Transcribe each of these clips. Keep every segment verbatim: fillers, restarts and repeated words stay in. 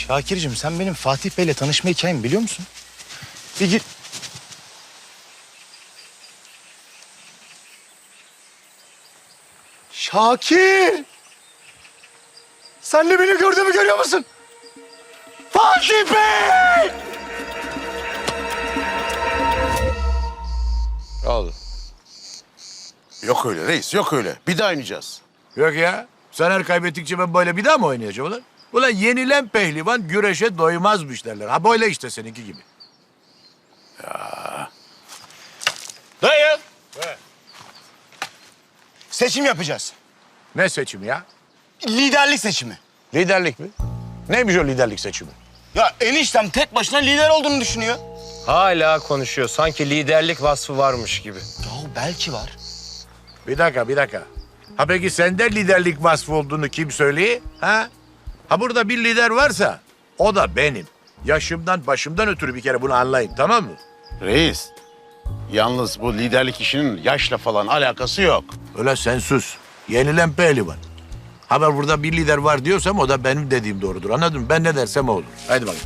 Şakir'cim sen benim Fatih Bey'le tanışma hikayemi biliyor musun? Bir gir... Şakir! Sen de beni gördüğümü görüyor musun? Fatih Bey! Oldu. Yok öyle reis, yok öyle. Bir daha oynayacağız. Yok ya. Sen her kaybettikçe ben böyle bir daha mı oynayacağım ulan? Ulan yenilen pehlivan güreşe doymazmış derler. Ha böyle işte seninki gibi. Dayı! Seçim yapacağız. Ne seçimi ya? Liderlik seçimi. Liderlik mi? Neymiş o liderlik seçimi? Ya eniştem tek başına lider olduğunu düşünüyor. Hala konuşuyor. Sanki liderlik vasfı varmış gibi. Ya belki var. Bir dakika, bir dakika. Ha peki sende liderlik vasfı olduğunu kim söylüyor? Ha? Ha burada bir lider varsa o da benim. Yaşımdan, başımdan ötürü bir kere bunu anlayın, tamam mı? Reis, yalnız bu liderlik işinin yaşla falan alakası yok. Öyle sen sus. Yenilen pehlivan. Ha ben burada bir lider var diyorsam o da benim dediğim doğrudur. Anladın mı? Ben ne dersem o olur. Haydi bakayım.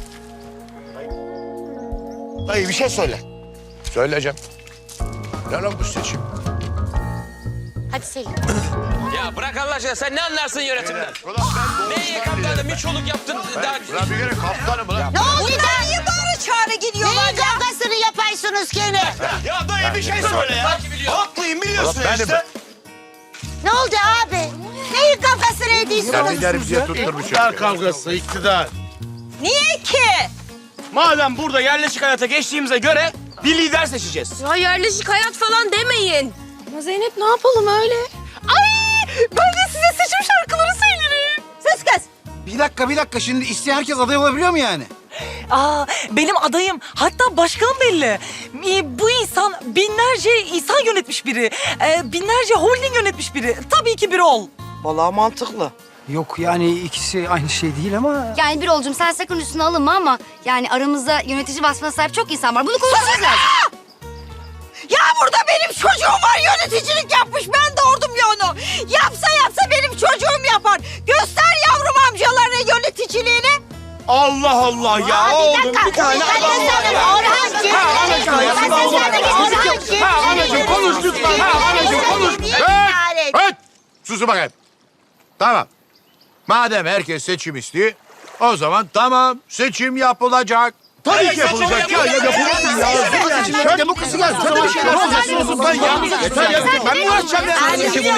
Dayı bir şey söyle. Söyleyeceğim. Ne lan bu seçim? Hadi Selim. Ya bırak Allah aşkına, sen ne anlarsın yönetimden? Neyi kaptanım, bir çoluk yaptın. Daha... Ulan bir kere kaptanım ulan. Ne oldu? Niye bağırı çağrı gidiyorlar? Neyin kavgasını yaparsınız gene? Ya dayı bir şey söyle ya. Sanki biliyor. Haklıyım biliyorsun Ulan benim. işte. Ne oldu abi? Neyin kavgasını Sen ediyorsunuz? liderim diye tutturmuşum. İktidar kavgası, iktidar. Niye ki? Madem burada yerleşik hayata geçtiğimize göre bir lider seçeceğiz. Ya yerleşik hayat falan demeyin. Ama Zeynep ne yapalım öyle? Ay ben de size seçim şarkıları söylerim. Sus kız. Bir dakika bir dakika şimdi isteyen herkes aday olabiliyor mu yani? Aa, benim adayım. Hatta başkanım belli. Ee, Bu insan binlerce insan yönetmiş biri. Ee, binlerce holding yönetmiş biri. Tabii ki bir ol. Vallahi mantıklı. Yok yani ikisi aynı şey değil ama... Yani bir olcum sen sakın üstüne alınma ama yani aramızda yönetici vasfına sahip çok insan var. Bunu konuşmamız lazım. Ya burada benim çocuğum var yöneticilik yapmış. Ben doğurdum ya onu. Yapsa yapsa benim çocuğum yapar. Göster yavrum amcalarına yöneticiliğini. Allah Allah ya. Aa, Oğlum bir dakika. bir tane Ben de adam var sana ya. Orhancığım. Ha anacığım ya. Ben de sana Orhancığım. Ha anacığım konuş lütfen. Ha anacığım konuş. Evet, evet. Susun bakayım. Tamam. Madem herkes seçim istiyor, o zaman tamam seçim yapılacak. Tabii ki yapılacak ya. Ya yapılır ya. Seçimlere demokrasi gelsin. Sen de bir şeyler olacaksın. Ben ya. Yeter ya. Ben mi uğraşacağım ya?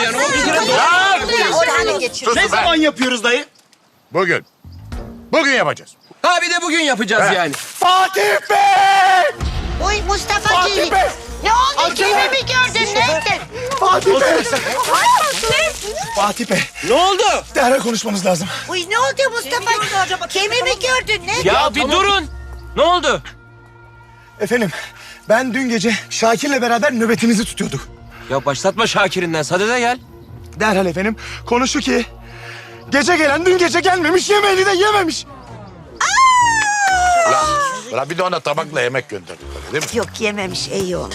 Orhan'ı geçir. Susun Ne be. zaman yapıyoruz dayı? Bugün. Bugün yapacağız. Ha bir de bugün yapacağız yani. Fatih Bey! Oy Mustafa Fatih Geyik. Bey! Ne oldu? Acele. Kimi mi gördün? Ne ettin? Fatih Bey! Fatih Bey. Ne oldu? Derhal konuşmamız lazım. Uy ne oldu Mustafa? Kimi mi gördün? Ne? Ya bir durun. Ne oldu? Efendim, ben dün gece Şakir'le beraber nöbetimizi tutuyorduk. Ya başlatma Şakir'inden. Sadede gel. Derhal efendim, konu şu ki... Gece gelen dün gece gelmemiş, yemeğini de yememiş. Ulan, ulan bir de ona tabakla yemek gönderdik öyle değil mi? Yok yememiş iyi oldu.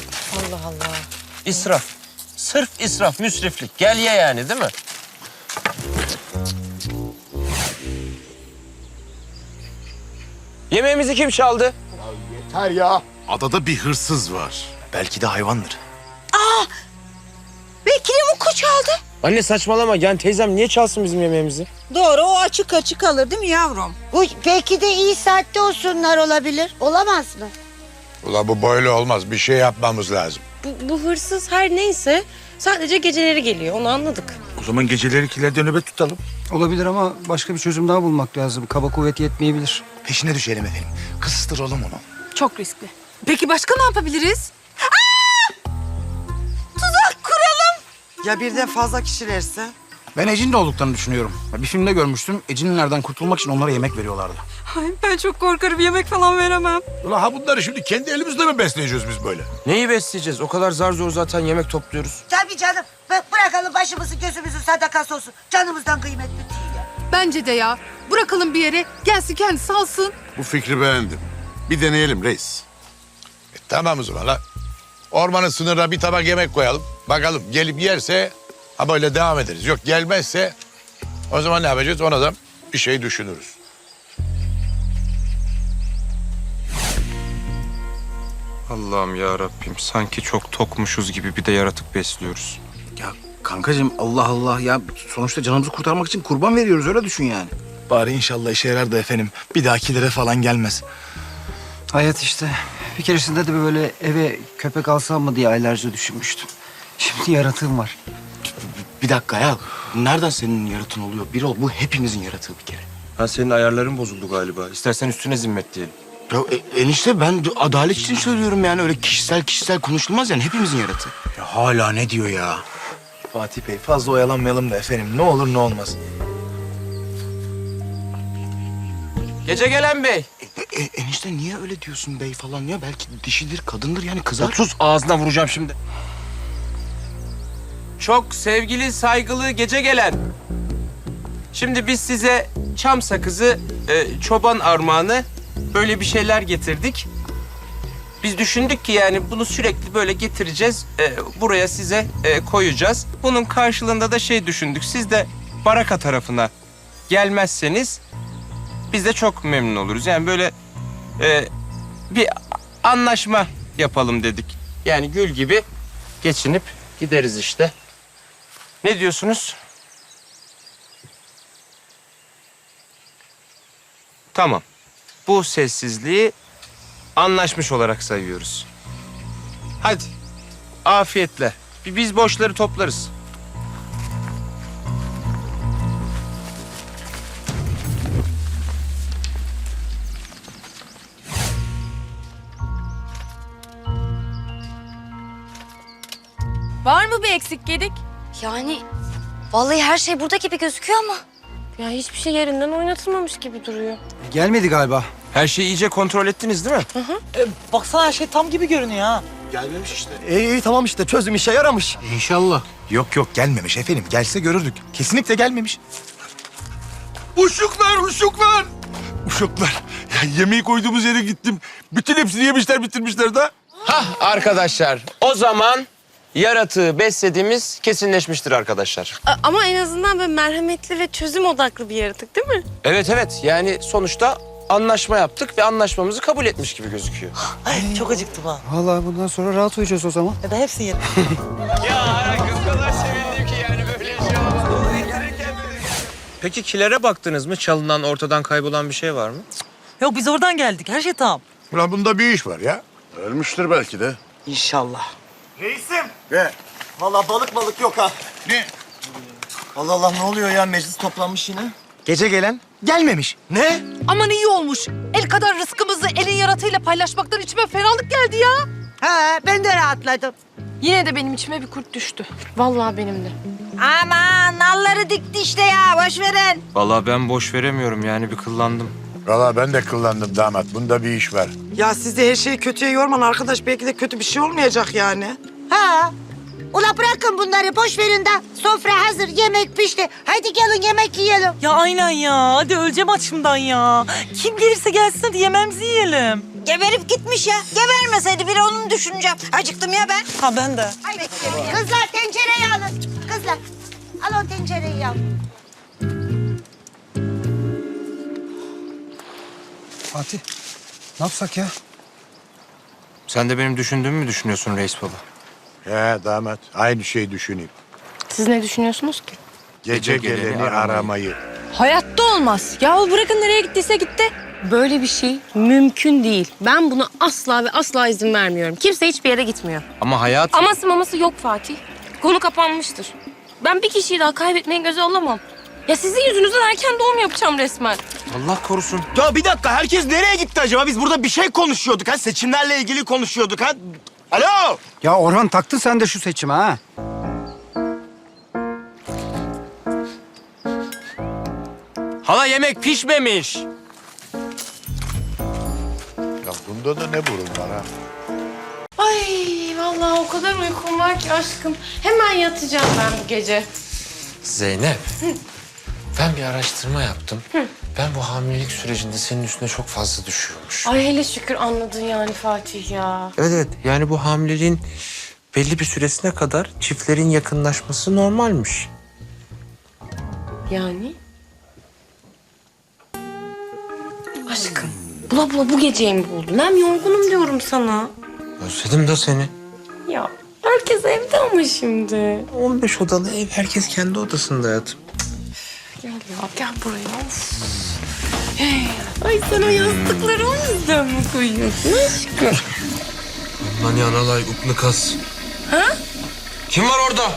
İsraf. Sırf israf, müsriflik. Gel ye yani değil mi? Yemeğimizi kim çaldı? Her ya. Adada bir hırsız var. Belki de hayvandır. Belki de bu kuş aldı. Anne saçmalama. Yani teyzem niye çalsın bizim yemeğimizi? Doğru, o açık açık alır değil mi yavrum? Uy belki de iyi saatte olsunlar olabilir. Olamaz mı? Ulan bu böyle olmaz. Bir şey yapmamız lazım. Bu, bu hırsız her neyse sadece geceleri geliyor onu anladık. O zaman geceleri kilerde nöbet tutalım. Olabilir ama başka bir çözüm daha bulmak lazım. Kaba kuvvet yetmeyebilir. Peşine düşelim efendim. Kıstıralım onu. Çok riskli. Peki başka ne yapabiliriz? Ya birden fazla kişilerse? Ben Ecin de olduklarını düşünüyorum. Bir filmde görmüştüm. Ecinlerden kurtulmak için onlara yemek veriyorlardı. Ay ben çok korkarım yemek falan veremem. Ulan ha bunları şimdi kendi elimizle mi besleyeceğiz biz böyle? Neyi besleyeceğiz? O kadar zar zor zaten yemek topluyoruz. Tabii canım. Bı- bırakalım başımızı gözümüzün sadakası olsun. Canımızdan kıymetli değil ya. Bence de ya. Bırakalım bir yere gelsin kendisi alsın. Bu fikri beğendim. Bir deneyelim reis. E, tamam o zaman la. Ormanın sınırına bir tabak yemek koyalım. Bakalım gelip yerse ha böyle devam ederiz. Yok gelmezse o zaman ne yapacağız? Ona da bir şey düşünürüz. Allah'ım ya Rabbim, sanki çok tokmuşuz gibi bir de yaratık besliyoruz. Ya kankacığım Allah Allah ya sonuçta canımızı kurtarmak için kurban veriyoruz öyle düşün yani. Bari inşallah işe yarar da efendim. Bir dahakilere falan gelmez. Hayat işte. Bir keresinde de böyle eve köpek alsam mı diye aylarca düşünmüştüm. Şimdi yaratığım var. Bir dakika ya. Nereden senin yaratığın oluyor? Bir ol. Bu hepimizin yaratığı bir kere. Ha, senin ayarların bozuldu galiba. İstersen üstüne zimmet diyelim. Ya e- enişte ben adalet için söylüyorum yani. Öyle kişisel kişisel konuşulmaz yani. Hepimizin yaratığı. Ya hala ne diyor ya? Fatih Bey fazla oyalanmayalım da efendim. Ne olur ne olmaz. Gece gelen bey. E, e- enişte niye öyle diyorsun bey falan ya? Belki dişidir, kadındır yani kızar. Sus, ağzına vuracağım şimdi. Çok sevgili, saygılı gece gelen. Şimdi biz size çam sakızı, e, çoban armağanı böyle bir şeyler getirdik. Biz düşündük ki yani bunu sürekli böyle getireceğiz, e, buraya size e, koyacağız. Bunun karşılığında da şey düşündük, siz de Baraka tarafına gelmezseniz biz de çok memnun oluruz. Yani böyle e, bir anlaşma yapalım dedik. Yani gül gibi geçinip gideriz işte. Ne diyorsunuz? Tamam. Bu sessizliği anlaşmış olarak sayıyoruz. Hadi. Afiyetle. Bir biz boşları toplarız. Var mı bir eksik gedik? Yani vallahi her şey burada gibi gözüküyor ama. Ya hiçbir şey yerinden oynatılmamış gibi duruyor. Gelmedi galiba. Her şeyi iyice kontrol ettiniz değil mi? Baksana her şey tam gibi görünüyor ha. Gelmemiş işte. İyi iyi tamam işte çözüm işe yaramış. İnşallah. Yok yok gelmemiş efendim. Gelse görürdük. Kesinlikle gelmemiş. Uşuklar, uşuklar. Uşuklar. Ya yemeği koyduğumuz yere gittim. Bütün hepsini yemişler, bitirmişler de. Hah arkadaşlar. O zaman yaratığı beslediğimiz kesinleşmiştir arkadaşlar. A- ama en azından böyle merhametli ve çözüm odaklı bir yaratık değil mi? Evet evet. Yani sonuçta anlaşma yaptık ve anlaşmamızı kabul etmiş gibi gözüküyor. Ay çok acıktım ha. Vallahi bundan sonra rahat uyuyacağız o zaman. Ya da hepsini yedim. Ya kız kadar sevindim ki yani böyle şey olmaz. Peki kilere baktınız mı? Çalınan, ortadan kaybolan bir şey var mı? Yok biz oradan geldik. Her şey tamam. Ulan bunda bir iş var ya. Ölmüştür belki de. İnşallah. Reisim. Ve vallahi balık balık yok ha. Ne? Allah Allah ne oluyor ya meclis toplanmış yine. Gece gelen gelmemiş. Ne? Aman iyi olmuş. El kadar rızkımızı elin yaratığıyla paylaşmaktan içime fenalık geldi ya. Ha ben de rahatladım. Yine de benim içime bir kurt düştü. Vallahi benim de. Aman nalları dikti işte ya boş verin. Vallahi ben boş veremiyorum yani bir kıllandım. Valla ben de kullandım damat. Bunda bir iş var. Ya siz de her şeyi kötüye yorman arkadaş. Belki de kötü bir şey olmayacak yani. Ha. Ula bırakın bunları boş verin de sofra hazır yemek pişti. Hadi gelin yemek yiyelim. Ya aynen ya. Hadi öleceğim açımdan ya. Kim gelirse gelsin hadi yemeğimizi yiyelim. Geberip gitmiş ya. Gebermeseydi biri onu düşüneceğim. Acıktım ya ben. Ha ben de. Haydi. Kızlar tencereyi alın. Kızlar al o tencereyi al. Fatih ne yapsak ya? Sen de benim düşündüğümü mü düşünüyorsun reis baba? He damat. Aynı şeyi düşüneyim. Siz ne düşünüyorsunuz ki? Gece, geleni, aramayı. Hayatta olmaz. Ya bırakın nereye gittiyse gitti. Böyle bir şey mümkün değil. Ben buna asla ve asla izin vermiyorum. Kimse hiçbir yere gitmiyor. Ama hayat... Aması maması yok Fatih. Konu kapanmıştır. Ben bir kişiyi daha kaybetmeyi göze alamam. Ya sizin yüzünüzden erken doğum yapacağım resmen. Allah korusun. Ya bir dakika herkes nereye gitti acaba? Biz burada bir şey konuşuyorduk ha. Seçimlerle ilgili konuşuyorduk ha. Alo. Ya Orhan taktın sen de şu seçime ha. Hala yemek pişmemiş. Ya bunda da ne burun var ha? Ay vallahi o kadar uykum var ki aşkım. Hemen yatacağım ben bu gece. Zeynep. Ben bir araştırma yaptım. Ben bu hamilelik sürecinde senin üstüne çok fazla düşüyormuş. Ay hele şükür anladın yani Fatih ya. Evet evet. Yani bu hamileliğin belli bir süresine kadar çiftlerin yakınlaşması normalmiş. Yani? Aşkım bula bula bu geceyi mi buldun? Hem yorgunum diyorum sana. Özledim de seni. Ya herkes evde ama şimdi. on beş odalı ev, herkes kendi odasında hayatım. Gel ya gel buraya. Of. Hey, ay sen o yastıkları o yüzden mi koyuyorsun aşkım? Lan ya analay uklu kas. Ha? Kim var orada?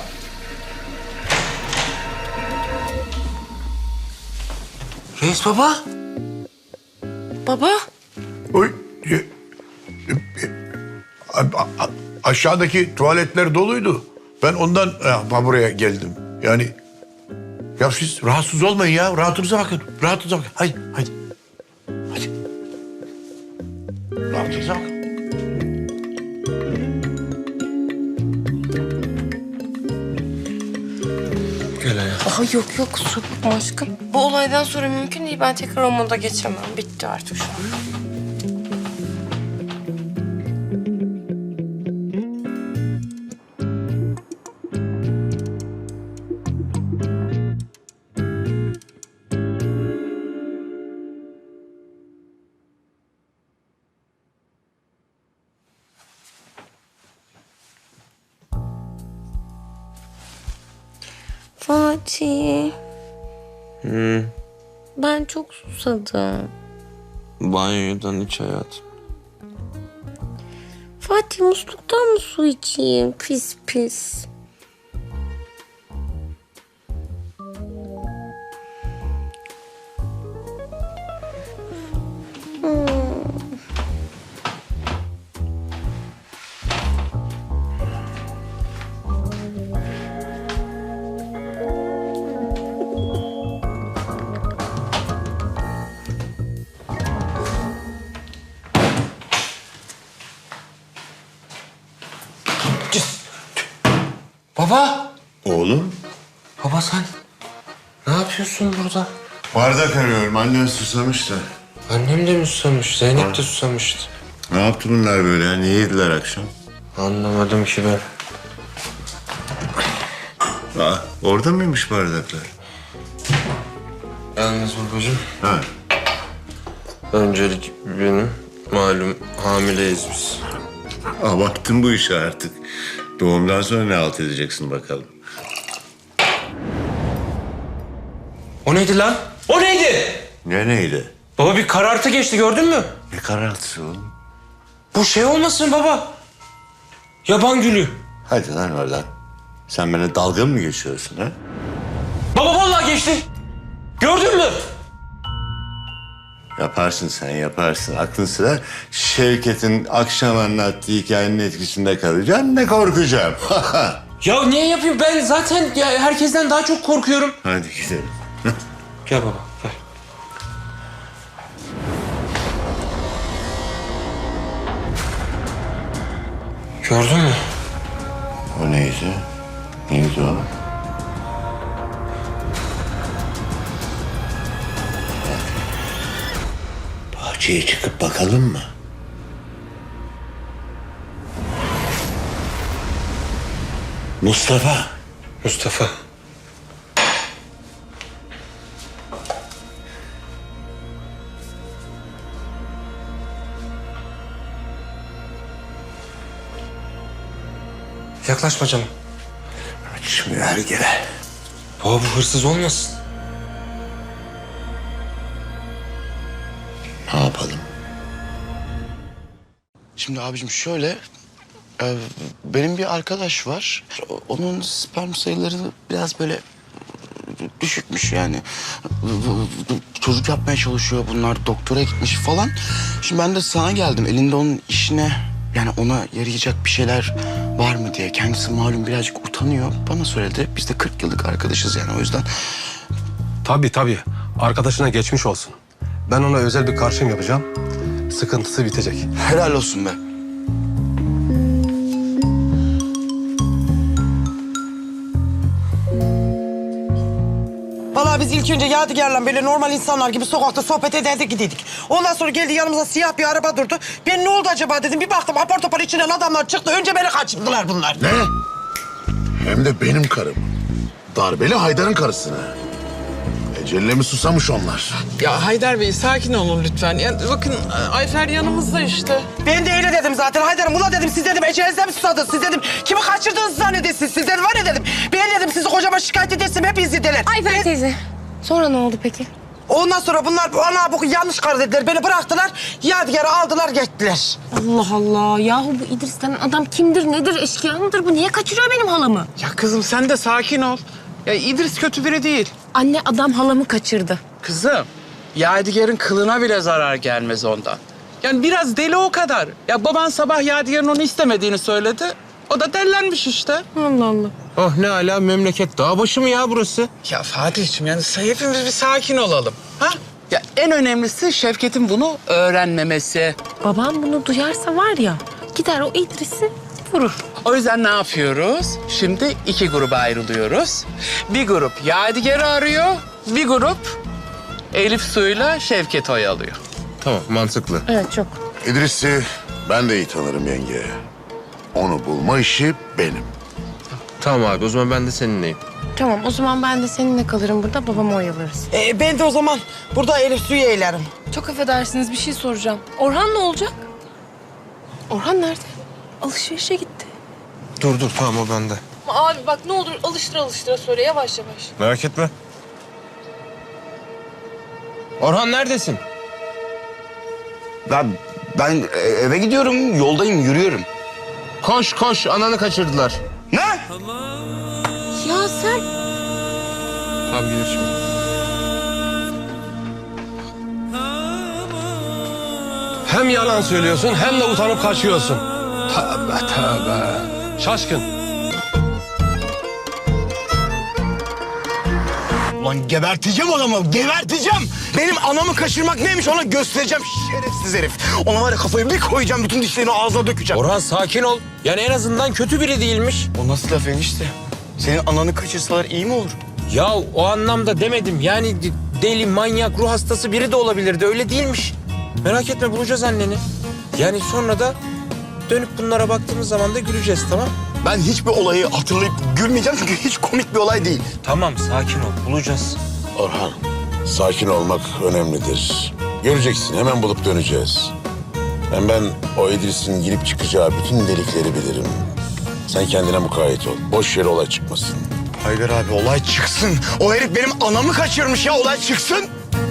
Reis baba. Baba. Oy. e, e, a- a- Aşağıdaki tuvaletler doluydu. Ben ondan e, buraya geldim. Yani ya siz rahatsız olmayın ya. Rahatınıza bakın. Rahatınıza bakın. Haydi, haydi. Hadi. Rahatınıza bakın. Gel hayatım. Aha yok yok kusura bakma aşkım. Bu olaydan sonra mümkün değil. Ben tekrar o moda geçemem. Bitti artık şu an. Fatih. Hmm. Ben çok susadım. Banyodan iç hayatım. Fatih musluktan mı su içeyim? Pis pis. Baba. Oğlum? Baba sen ne yapıyorsun burada? Bardak arıyorum. Annen susamış da. Annem de mi susamış? Zeynep de susamıştı. Ne yaptı bunlar böyle ya? Ne yediler akşam? Anlamadım ki ben. Aa, orada mıymış bardaklar? Yalnız babacığım, Ha. öncelik benim. Malum hamileyiz biz. Abarttın bu işi artık. Doğumdan sonra ne halt edeceksin bakalım. O neydi lan? O neydi? Ne neydi? Baba bir karartı geçti gördün mü? Ne karartısı oğlum? Bu şey olmasın baba. Yaban gülü. Hadi lan oradan. Sen bana dalga mı geçiyorsun ha? Baba vallahi geçti. Gördün mü? Yaparsın sen yaparsın. Aklın sıra Şevket'in akşam anlattığı hikayenin etkisinde kalacağım. Ne korkacağım. Ya niye yapayım? Ben zaten ya herkesten daha çok korkuyorum. Hadi gidelim. Gel baba gel. Gördün mü? O neydi? Neydi o? Bahçeye çıkıp bakalım mı? Mustafa. Mustafa. Yaklaşma canım. Açmıyor hergele. Baba bu hırsız olmasın. Ne yapalım? Şimdi abicim şöyle, e, benim bir arkadaş var. O- Onun sperm sayıları biraz böyle düşükmüş yani. Çocuk yapmaya çalışıyor bunlar, doktora gitmiş falan. Şimdi ben de sana geldim, elinde onun işine, yani ona yarayacak bir şeyler var mı diye. Kendisi malum birazcık utanıyor. Bana söyledi, biz de kırk yıllık arkadaşız yani o yüzden. Tabii tabii. Arkadaşına geçmiş olsun. Ben ona özel bir karşım yapacağım. Sıkıntısı bitecek. Helal olsun be. Vallahi biz ilk önce Yadigar'la böyle normal insanlar gibi sokakta sohbet ederdik gidiydik. Ondan sonra geldi yanımıza siyah bir araba durdu. Ben ne oldu acaba dedim. Bir baktım apar topar içinden adamlar çıktı. Önce beni kaçırdılar bunlar. Ne? Hem de benim karım. Darbeli Haydar'ın karısına. Eceline mi susamış onlar? Ya Haydar Bey sakin olun lütfen. Ya, bakın Ayfer yanımızda işte. Ben de öyle dedim zaten. Haydar'ım ula dedim siz dedim ecelinize mi susadınız? Siz dedim kimi kaçırdığınızı zannedersiniz? Siz dedim var ya dedim. Ben dedim sizi kocama şikayet edersin hep izlediler. Ayfer teyze. Sonra ne oldu peki? Ondan sonra bunlar ana bu yanlış karar dediler. Beni bıraktılar. Yadigar'ı aldılar gittiler. Allah Allah. Yahu bu İdris denen adam kimdir, nedir, eşkıya mıdır? Bu niye kaçırıyor benim halamı? Ya kızım sen de sakin ol. Ya İdris kötü biri değil. Anne adam halamı kaçırdı. Kızım, Yadigar'ın kılına bile zarar gelmez ondan. Yani biraz deli o kadar. Ya baban sabah Yadigar'ın onu istemediğini söyledi. O da dellenmiş işte. Allah Allah. Oh ne ala memleket dağ başı mı ya burası? Ya Fatih'ciğim yani hepimiz bir sakin olalım. Ha? Ya en önemlisi Şevket'in bunu öğrenmemesi. Babam bunu duyarsa var ya gider o İdris'i vurur. O yüzden ne yapıyoruz? Şimdi iki gruba ayrılıyoruz. Bir grup Yadigar'ı arıyor, bir grup Elif Su'yla Şevket oyalıyor. Tamam, mantıklı. Evet çok. İdris'i ben de iyi tanırım yenge. Onu bulma işi benim. Tamam abi o zaman ben de seninleyim. Tamam o zaman ben de seninle kalırım burada babamı oyalarız. Ee, ben de o zaman burada Elif Su'yu eğlerim. Çok affedersiniz bir şey soracağım. Orhan ne olacak? Orhan nerede? Alışverişe gitti. Dur dur tamam o bende. Abi bak ne olur alıştıra alıştıra söyle yavaş yavaş. Merak etme. Orhan neredesin? Ben, ben e, eve gidiyorum, yoldayım, yürüyorum. Koş koş ananı kaçırdılar. Ne? Ya sen... Tamam gelir şimdi. Hem yalan söylüyorsun hem de utanıp kaçıyorsun. Tövbe tövbe. Şaşkın. Ulan geberteceğim adamı, geberteceğim. Benim anamı kaçırmak neymiş ona göstereceğim şerefsiz herif. Ona var ya kafayı bir koyacağım, bütün dişlerini ağzına dökeceğim. Orhan sakin ol. Yani en azından kötü biri değilmiş. O nasıl laf enişte? Senin ananı kaçırsalar iyi mi olur? Ya o anlamda demedim. Yani deli, manyak, ruh hastası biri de olabilirdi. Öyle değilmiş. Merak etme bulacağız anneni. Yani sonra da dönüp bunlara baktığımız zaman da güleceğiz tamam? Ben hiçbir olayı hatırlayıp gülmeyeceğim çünkü hiç komik bir olay değil. Tamam sakin ol bulacağız. Orhan, sakin olmak önemlidir. Göreceksin, hemen bulup döneceğiz. Hem ben o İdris'in girip çıkacağı bütün delikleri bilirim. Sen kendine mukayyet ol. Boş yere olay çıkmasın. Haydar abi olay çıksın. O herif benim anamı kaçırmış ya, olay çıksın.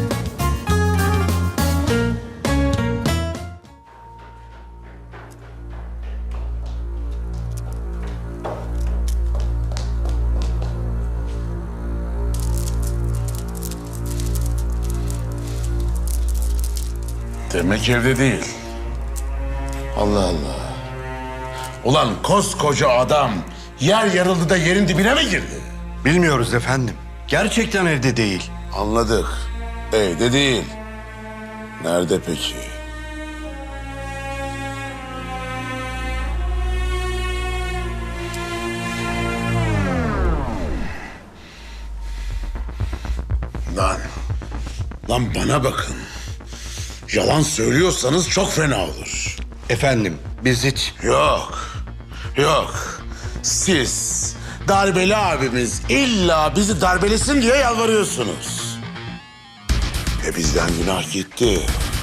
Demek evde değil. Allah Allah. Ulan koskoca adam yer yarıldı da yerin dibine mi girdi? Bilmiyoruz efendim. Gerçekten evde değil. Anladık. Evde değil. Nerede peki? Lan. Lan bana bakın. Yalan söylüyorsanız çok fena olur. Efendim biz hiç... Yok. Yok. Siz darbeli abimiz illa bizi darbelesin diye yalvarıyorsunuz. E bizden günah gitti.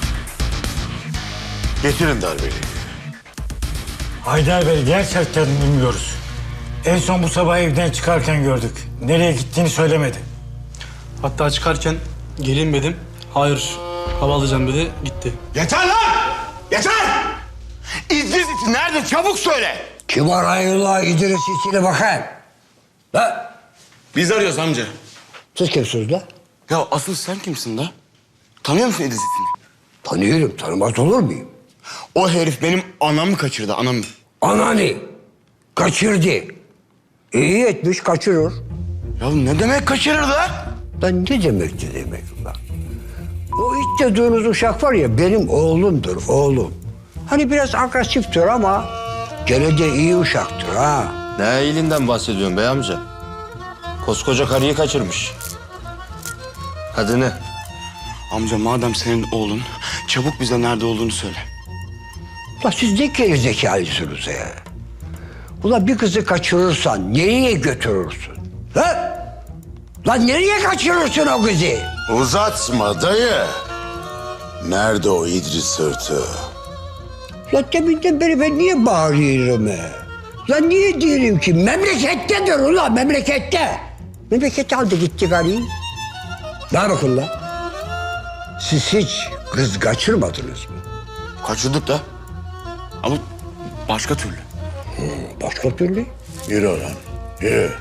Getirin darbeliyi. Haydar Bey gerçekten bilmiyoruz. En son bu sabah evden çıkarken gördük. Nereye gittiğini söylemedi. Hatta çıkarken gelinmedim. Hayır hava alacağım dedi gitti. Yeter lan! Yeter! İdris iti nerede? Çabuk söyle! Kim arayıyorlar İdris içine bakın. La. Biz arıyoruz amca. Siz kimsiniz la? Ya asıl sen kimsin la? Tanıyor musun İdris itini? Tanıyorum, tanımaz olur muyum? O herif benim anamı kaçırdı, anamı. Ananı kaçırdı. İyi etmiş, kaçırır. Ya ne demek kaçırır da? Lan ne demek ne demek lan? O iç dediğiniz uşak var ya benim oğlumdur, oğlum. Hani biraz agresiftir ama gene de iyi uşaktır ha. Ne iyiliğinden bahsediyorsun bey amca? Koskoca karıyı kaçırmış. Hadi ne? Amca madem senin oğlun, çabuk bize nerede olduğunu söyle. Ulan siz ne gerizekalısınız ya? Ulan bir kızı kaçırırsan nereye götürürsün? Lan! Lan nereye kaçırırsın o kızı? Uzatma dayı. Nerede o İdris sırtı? Lan deminden beri ben niye bağırıyorum he? Lan niye diyorum ki memlekettedir ulan memlekette. Memlekette aldı gitti karıyı. Ne bakın lan? Siz hiç kız kaçırmadınız mı? Kaçırdık da. Ama başka türlü. Hmm, başka türlü? Yürü lan, yürü.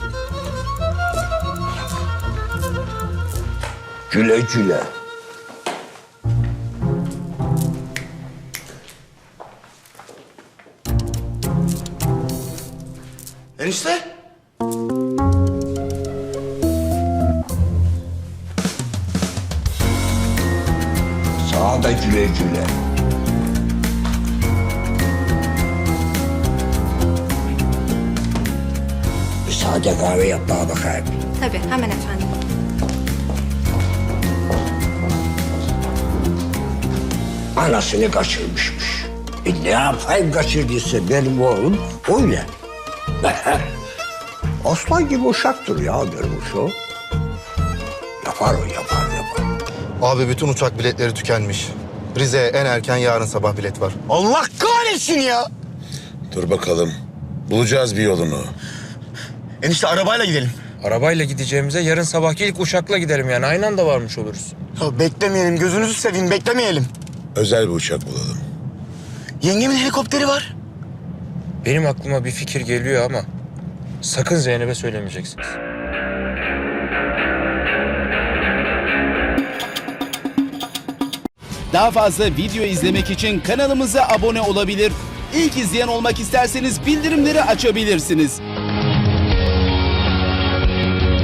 Güle güle. Enişte. Sağa da güle güle. Bir sade kahve yap bana bakayım. Tabii hemen efendim. Anasını kaçırmışmış. E ne yapayım kaçırdıysa benim oğlum öyle. Aslan gibi uşaktır ya benim uşağım. Yapar o yapar yapar. Abi bütün uçak biletleri tükenmiş. Rize'ye en erken yarın sabah bilet var. Allah kahretsin ya. Dur bakalım. Bulacağız bir yolunu. Enişte arabayla gidelim. Arabayla gideceğimize yarın sabahki ilk uçakla gidelim yani. Aynı anda varmış oluruz. Ya beklemeyelim, gözünüzü seveyim, beklemeyelim. Özel bir uçak bulalım. Yengemin helikopteri var. Benim aklıma bir fikir geliyor ama sakın Zeynep'e söylemeyeceksiniz. Daha fazla video izlemek için kanalımıza abone olabilir. İlk izleyen olmak isterseniz bildirimleri açabilirsiniz.